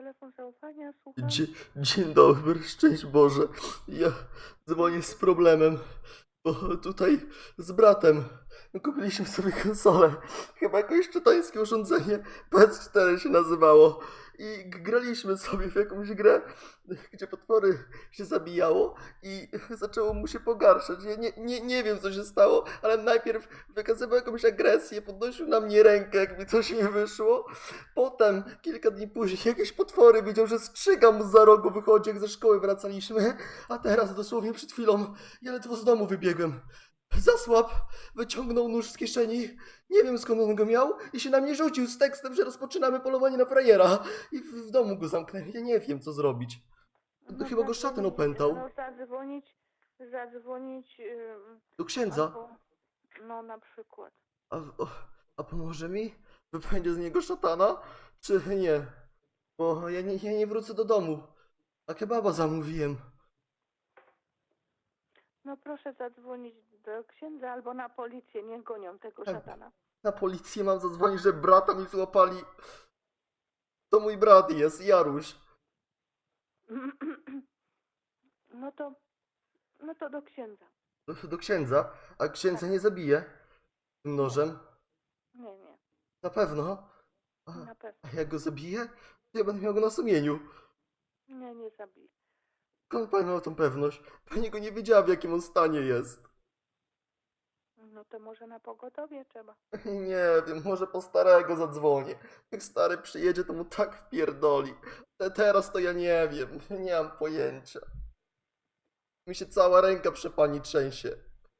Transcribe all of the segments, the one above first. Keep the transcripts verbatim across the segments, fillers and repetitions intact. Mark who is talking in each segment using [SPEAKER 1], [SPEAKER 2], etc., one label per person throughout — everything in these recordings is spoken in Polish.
[SPEAKER 1] telefon zaufania, słucham.
[SPEAKER 2] Dzień, dzień dobry, szczęść Boże. Ja dzwonię z problemem, bo tutaj z bratem kupiliśmy sobie konsolę. Chyba jakieś czytańskie urządzenie, P S cztery się nazywało. I g- graliśmy sobie w jakąś grę, gdzie potwory się zabijało i zaczęło mu się pogarszać. Ja nie, nie, nie wiem, co się stało, ale najpierw wykazywał jakąś agresję, podnosił na mnie rękę, jak mi coś nie wyszło. Potem, kilka dni później, jakieś potwory widział, że strzyga mu za rogu wychodzi, jak ze szkoły wracaliśmy. A teraz, dosłownie przed chwilą, ja ledwo z domu wybiegłem. Zasłab, wyciągnął nóż z kieszeni, nie wiem skąd on go miał, i się na mnie rzucił z tekstem, że rozpoczynamy polowanie na frajera. I w, w domu go zamknęli, ja nie wiem, co zrobić.
[SPEAKER 1] No
[SPEAKER 2] Chyba go szatan opętał.
[SPEAKER 1] No zadzwonić, zadzwonić ym,
[SPEAKER 2] Do księdza.
[SPEAKER 1] albo, no na przykład.
[SPEAKER 2] A, o, a pomoże mi? Wypędzie z niego szatana? Czy nie? Bo ja nie, ja nie wrócę do domu. A kebaba zamówiłem.
[SPEAKER 1] No proszę zadzwonić do księdza albo na policję, niech gonią tego
[SPEAKER 2] Tak.
[SPEAKER 1] szatana.
[SPEAKER 2] Na policję mam zadzwonić, że brata mi złapali. To mój brat jest, Jaruś.
[SPEAKER 1] No to, no to do księdza.
[SPEAKER 2] Do, do księdza? A księdza nie zabije? Tym nożem?
[SPEAKER 1] Nie, nie,
[SPEAKER 2] Na pewno? A,
[SPEAKER 1] na pewno.
[SPEAKER 2] a jak go zabiję, to ja będę miał go na sumieniu.
[SPEAKER 1] Nie, nie zabij.
[SPEAKER 2] Skąd pani ma tą pewność? Pani go nie wiedziała, w jakim on stanie jest.
[SPEAKER 1] No to może na pogotowie trzeba.
[SPEAKER 2] Nie wiem, może po starego zadzwonię. Jak stary przyjedzie, to mu tak wpierdoli. Te teraz to ja nie wiem, nie mam pojęcia. Mi się cała ręka przy pani trzęsie.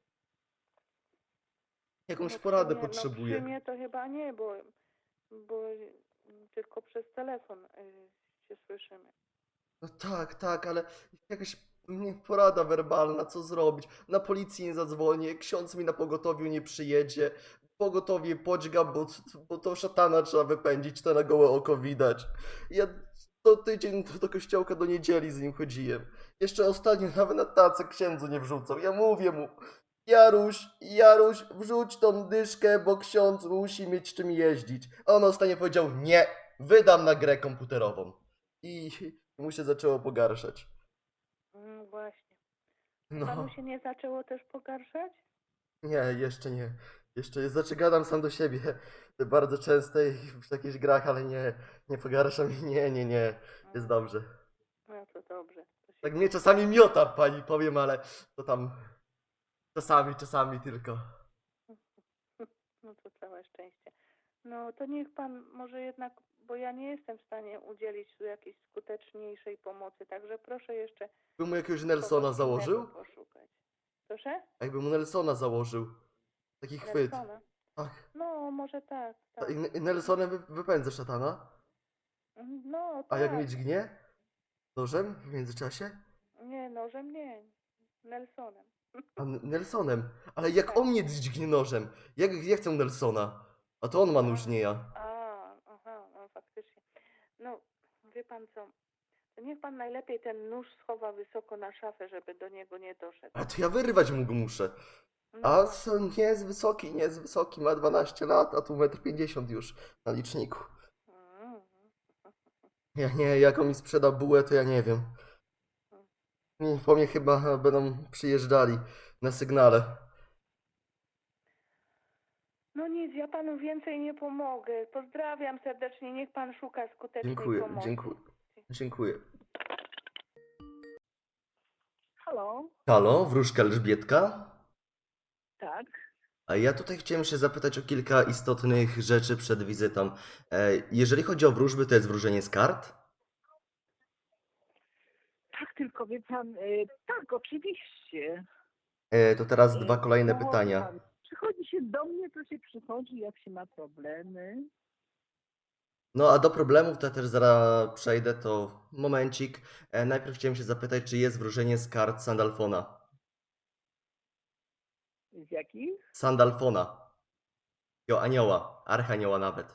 [SPEAKER 2] Jakąś
[SPEAKER 1] No przy
[SPEAKER 2] poradę
[SPEAKER 1] mnie- No przy
[SPEAKER 2] potrzebuję.
[SPEAKER 1] mnie to chyba nie, bo, bo tylko przez telefon y, się słyszymy.
[SPEAKER 2] No tak, tak, ale jakaś mnie porada werbalna, co zrobić? Na policję nie zadzwonię, ksiądz mi na pogotowiu nie przyjedzie, pogotowie podźga, bo, bo to szatana trzeba wypędzić, to na gołe oko widać. Ja co tydzień do, do kościołka do niedzieli z nim chodziłem. Jeszcze ostatnio nawet na tacę księdzu nie wrzucał. Ja mówię mu, Jaruś, Jaruś, wrzuć tą dyszkę, bo ksiądz musi mieć czym jeździć. A on ostatnio powiedział, nie, wydam na grę komputerową. I mu się zaczęło pogarszać.
[SPEAKER 1] Mm, właśnie.
[SPEAKER 2] No,
[SPEAKER 1] Panu się nie zaczęło też pogarszać?
[SPEAKER 2] nie, jeszcze nie. Jeszcze, znaczy gadam sam do siebie bardzo często i w jakichś grach, ale nie, nie pogarsza mi, nie, nie, nie, jest dobrze.
[SPEAKER 1] No to dobrze. To się
[SPEAKER 2] Tak mnie czasami miota, pani powiem, ale to tam czasami, czasami tylko.
[SPEAKER 1] No to całe szczęście. No to niech pan może jednak, bo ja nie jestem w stanie udzielić tu jakiejś skuteczniejszej pomocy, także proszę jeszcze
[SPEAKER 2] By mu jakiegoś Nelsona
[SPEAKER 1] kogoś
[SPEAKER 2] założył?
[SPEAKER 1] innego poszukać. Proszę?
[SPEAKER 2] A jakby mu Nelsona założył. Taki chwyt.
[SPEAKER 1] Nelsona?
[SPEAKER 2] Ach,
[SPEAKER 1] No, może tak, tak.
[SPEAKER 2] i, i Nelsonem wy, wypędzę szatana?
[SPEAKER 1] No,
[SPEAKER 2] A jak
[SPEAKER 1] tak.
[SPEAKER 2] mnie dźgnie? Nożem w międzyczasie?
[SPEAKER 1] Nie, nożem nie. Nelsonem.
[SPEAKER 2] A N- Nelsonem. Ale jak
[SPEAKER 1] Tak.
[SPEAKER 2] on mnie dźgnie nożem? Jak ja chcę Nelsona? A to on ma nóż, nie ja.
[SPEAKER 1] A, aha, no faktycznie. No, wie pan co, to niech pan najlepiej ten nóż schowa wysoko na szafę, żeby do niego nie doszedł.
[SPEAKER 2] A to ja wyrwać mu go muszę.
[SPEAKER 1] No
[SPEAKER 2] A
[SPEAKER 1] właśnie.
[SPEAKER 2] co, nie jest wysoki, nie jest wysoki, ma dwanaście lat, a tu metr pięćdziesiąt już na liczniku.
[SPEAKER 1] Mm.
[SPEAKER 2] Ja nie, jak on mi sprzeda bułę, to ja nie wiem. Nie, po mnie chyba będą przyjeżdżali na sygnale.
[SPEAKER 1] No nic, ja panu więcej nie pomogę. Pozdrawiam serdecznie, niech pan szuka skutecznej
[SPEAKER 2] Dziękuję,
[SPEAKER 1] pomocy.
[SPEAKER 2] dziękuję. Dziękuję.
[SPEAKER 3] Halo?
[SPEAKER 2] Halo, wróżka Elżbietka?
[SPEAKER 3] Tak.
[SPEAKER 2] A ja tutaj chciałem się zapytać o kilka istotnych rzeczy przed wizytą. E, Jeżeli chodzi o wróżby, to jest wróżenie z kart?
[SPEAKER 3] Tak, tylko wie pan, y, tak, oczywiście.
[SPEAKER 2] E, To teraz dwa
[SPEAKER 3] Y,
[SPEAKER 2] kolejne
[SPEAKER 3] no,
[SPEAKER 2] pytania.
[SPEAKER 3] pan, Przychodzi się do mnie, to się przychodzi, jak się ma problemy.
[SPEAKER 2] No a do problemów to ja też zaraz przejdę, to momencik. E, najpierw chciałem się zapytać, czy jest wróżenie z kart Sandalfona?
[SPEAKER 3] Z jakich?
[SPEAKER 2] Sandalfona. Jo, anioła, archanioła nawet.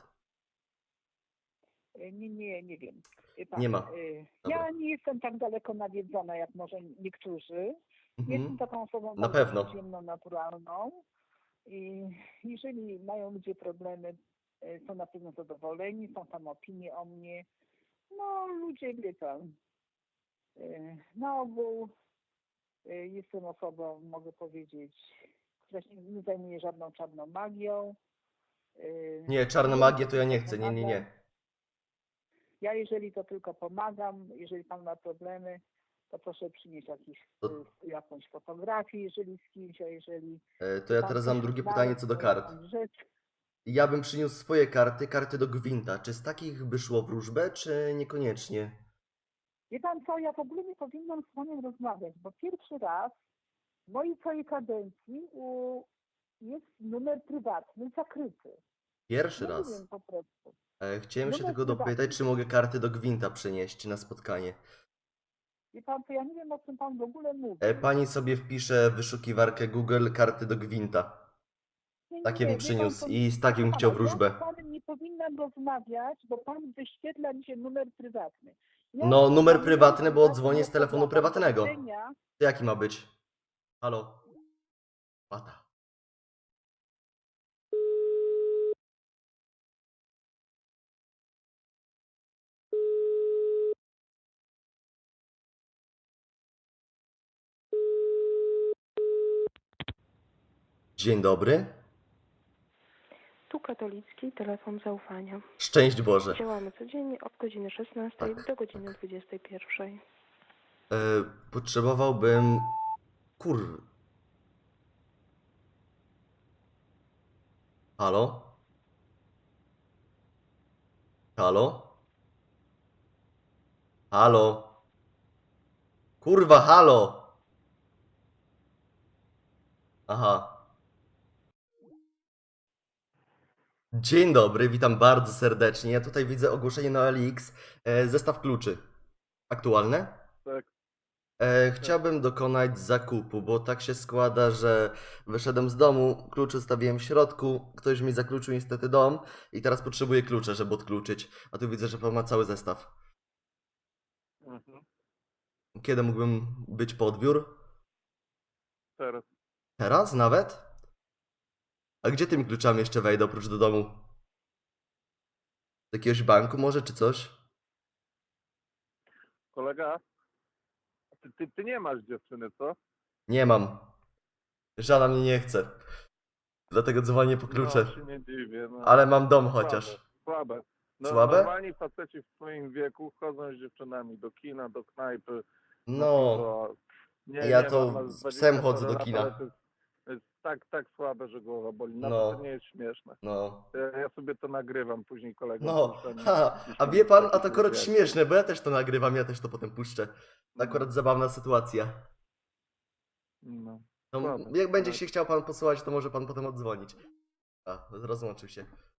[SPEAKER 3] Y, Nie, nie, nie wiem. Wie pan,
[SPEAKER 2] Nie ma.
[SPEAKER 3] y,
[SPEAKER 2] Dobra.
[SPEAKER 3] Ja nie jestem tak daleko nawiedzona, jak może niektórzy. Jestem
[SPEAKER 2] Mhm.
[SPEAKER 3] taką osobą
[SPEAKER 2] Na
[SPEAKER 3] bardzo
[SPEAKER 2] pewno.
[SPEAKER 3] przyziemną, naturalną. I jeżeli mają ludzie problemy, y, są na pewno zadowoleni, są tam opinie o mnie. No, ludzie, wie pan, y, na ogół y, jestem osobą, mogę powiedzieć, która się nie zajmuje żadną czarną magią. y,
[SPEAKER 2] Nie, czarna
[SPEAKER 3] jeżeli
[SPEAKER 2] magia
[SPEAKER 3] to
[SPEAKER 2] to ja nie
[SPEAKER 3] tylko
[SPEAKER 2] chcę, nie, nie,
[SPEAKER 3] pomagam-
[SPEAKER 2] nie.
[SPEAKER 3] Ja jeżeli to tylko pomagam, jeżeli pan ma problemy, to proszę przynieść jakiś,
[SPEAKER 2] To-
[SPEAKER 3] y, jakąś fotografię, jeżeli z kimś, a jeżeli
[SPEAKER 2] E, To ja
[SPEAKER 3] pan
[SPEAKER 2] teraz
[SPEAKER 3] coś
[SPEAKER 2] mam drugie
[SPEAKER 3] znalazł,
[SPEAKER 2] pytanie co do
[SPEAKER 3] to
[SPEAKER 2] kart.
[SPEAKER 3] jakąś rzecz.
[SPEAKER 2] Ja bym przyniósł swoje karty, karty do Gwinta. Czy z takich by szło wróżbę, czy niekoniecznie?
[SPEAKER 3] Wie pan co, ja w ogóle nie powinnam z panem rozmawiać, bo pierwszy raz w mojej całej kadencji u, jest numer prywatny zakryty.
[SPEAKER 2] Pierwszy
[SPEAKER 3] Ja nie
[SPEAKER 2] raz.
[SPEAKER 3] wiem po prostu.
[SPEAKER 2] E, Chciałem się
[SPEAKER 3] Numer
[SPEAKER 2] tylko
[SPEAKER 3] prywatny.
[SPEAKER 2] dopytać, czy mogę karty do Gwinta przynieść na spotkanie.
[SPEAKER 3] Wie pan, to ja nie wiem, o czym pan w ogóle mówi.
[SPEAKER 2] E, Pani sobie wpisze w wyszukiwarkę Google karty do Gwinta.
[SPEAKER 3] Nie, nie,
[SPEAKER 2] Takie
[SPEAKER 3] nie,
[SPEAKER 2] bym
[SPEAKER 3] wie
[SPEAKER 2] przyniósł
[SPEAKER 3] pan, to-
[SPEAKER 2] i z takim
[SPEAKER 3] Pana,
[SPEAKER 2] chciał
[SPEAKER 3] Ja
[SPEAKER 2] wróżbę.
[SPEAKER 3] z panem nie powinnam rozmawiać, bo pan wyświetla mi się numer prywatny. Ja
[SPEAKER 2] No, numer
[SPEAKER 3] mam
[SPEAKER 2] prywatny, bo
[SPEAKER 3] prywatny
[SPEAKER 2] dzwonię z telefonu
[SPEAKER 3] program.
[SPEAKER 2] prywatnego.
[SPEAKER 3] Do widzenia.
[SPEAKER 2] To jaki ma być? Halo? Pata. Dzień dobry.
[SPEAKER 4] Tu katolicki telefon zaufania.
[SPEAKER 2] Szczęść Boże.
[SPEAKER 4] Działamy codziennie od godziny szesnastej
[SPEAKER 2] Tak,
[SPEAKER 4] do godziny
[SPEAKER 2] tak.
[SPEAKER 4] dwudziestej pierwszej.
[SPEAKER 2] E, potrzebowałbym... Kur... Halo? Halo? Halo? Kurwa, halo! Aha. Dzień dobry, witam bardzo serdecznie. Ja tutaj widzę ogłoszenie na O L X. E, zestaw kluczy. Aktualne?
[SPEAKER 5] Tak.
[SPEAKER 2] E, chciałbym dokonać zakupu, bo tak się składa, że wyszedłem z domu, klucze zostawiłem w środku, ktoś mi zakluczył niestety dom i teraz potrzebuję klucze, żeby odkluczyć. A tu widzę, że pan ma cały zestaw.
[SPEAKER 5] Mhm.
[SPEAKER 2] Kiedy mógłbym być po odbiór?
[SPEAKER 5] Teraz.
[SPEAKER 2] Teraz nawet? A gdzie tymi kluczami jeszcze wejdę oprócz do domu? Do jakiegoś banku może, czy coś?
[SPEAKER 5] Kolega? Ty, ty, ty nie masz dziewczyny, co?
[SPEAKER 2] Nie mam. Żona mnie nie chce. Dlatego dzwonię po klucze.
[SPEAKER 5] No, się nie dziwię. No.
[SPEAKER 2] Ale mam dom
[SPEAKER 5] Słabe,
[SPEAKER 2] chociaż.
[SPEAKER 5] Słabe. No,
[SPEAKER 2] Słabe?
[SPEAKER 5] Normalni faceci w swoim wieku chodzą z dziewczynami do kina, do knajpy.
[SPEAKER 2] No,
[SPEAKER 5] piwo. nie,
[SPEAKER 2] ja
[SPEAKER 5] nie,
[SPEAKER 2] to
[SPEAKER 5] mam
[SPEAKER 2] z
[SPEAKER 5] dwadzieścia
[SPEAKER 2] psem chodzę
[SPEAKER 5] parę
[SPEAKER 2] do
[SPEAKER 5] lat,
[SPEAKER 2] kina.
[SPEAKER 5] ale To jest, to jest tak, tak słabe, że głowa boli. Nawet
[SPEAKER 2] No.
[SPEAKER 5] to nie jest śmieszne.
[SPEAKER 2] no.
[SPEAKER 5] Ja, ja sobie to nagrywam później kolegom.
[SPEAKER 2] No,
[SPEAKER 5] puszczam i-
[SPEAKER 2] ha,
[SPEAKER 5] i
[SPEAKER 2] a
[SPEAKER 5] się
[SPEAKER 2] wie pan, a
[SPEAKER 5] takich
[SPEAKER 2] to akurat
[SPEAKER 5] lubię.
[SPEAKER 2] śmieszne, bo ja też to nagrywam, ja też to potem puszczę. Akurat zabawna sytuacja.
[SPEAKER 5] No.
[SPEAKER 2] To
[SPEAKER 5] Słabe,
[SPEAKER 2] jak będzie
[SPEAKER 5] ale-
[SPEAKER 2] się chciał pan posłuchać, to może pan potem odzwonić. A, rozłączył się.